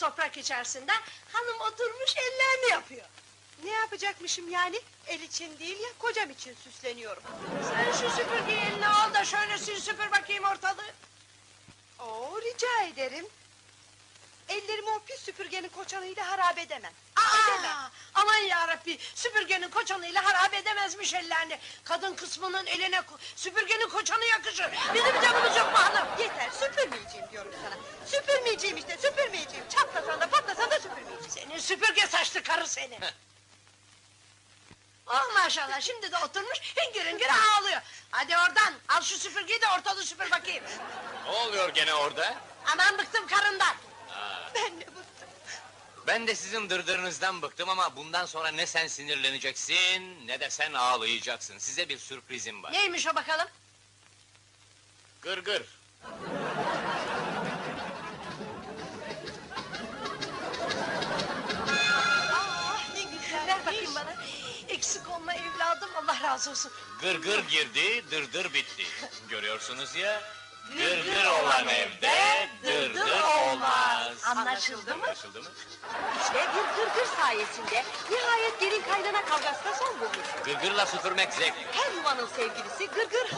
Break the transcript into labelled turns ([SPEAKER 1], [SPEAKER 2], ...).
[SPEAKER 1] toprak içerisinde, hanım oturmuş ellerini yapıyor.
[SPEAKER 2] Ne yapacakmışım yani? El için değil ya, kocam için süsleniyorum.
[SPEAKER 1] Sen şu süpürgeyi eline al da şöyle sil süpür bakayım ortalığı.
[SPEAKER 2] Oo, rica ederim. Ellerimi o pis süpürgenin koçanıyla harap edemem. Edemem.
[SPEAKER 1] Aman yarabbi, süpürgenin koçanıyla harap edemezmiş ellerini. Kadın kısmının eline süpürgenin koçanı yakışır. Bizim canımız yok mu hanım?
[SPEAKER 2] Yeter, süpürmeyeceğim diyorum sana. Süpürmeyeceğim işte, süpürmeyeceğim. Çatlasan da patlasan da süpürmeyeceğim.
[SPEAKER 1] Senin süpürge saçlı karı seni. Oh maşallah, şimdi de oturmuş hüngür hüngür ağlıyor. Hadi oradan, al şu süpürgeyi de ortalığı süpür bakayım.
[SPEAKER 3] Ne oluyor gene orada?
[SPEAKER 1] Aman bıktım karından.
[SPEAKER 2] Ben de bıktım.
[SPEAKER 3] Ben de sizin dırdırınızdan bıktım ama bundan sonra ne sen sinirleneceksin ne de sen ağlayacaksın. Size bir sürprizim var.
[SPEAKER 1] Neymiş o bakalım?
[SPEAKER 3] Gırgır.
[SPEAKER 2] Ah, ne güzel.
[SPEAKER 1] Ver bakayım bana. Eksik olma evladım, Allah razı olsun.
[SPEAKER 3] Gırgır girdi, dırdır bitti. Görüyorsunuz ya. Gırgır olan evde dırdır olmaz.
[SPEAKER 1] Anlaşıldı mı?
[SPEAKER 3] Anlaşıldı mı?
[SPEAKER 2] İşte bir gırgır sayesinde nihayet gelin kaynana kavgasına son bulmuş.
[SPEAKER 3] Gırgırla süpürmek zevkli.
[SPEAKER 2] Her yuvanın sevgilisi gırgır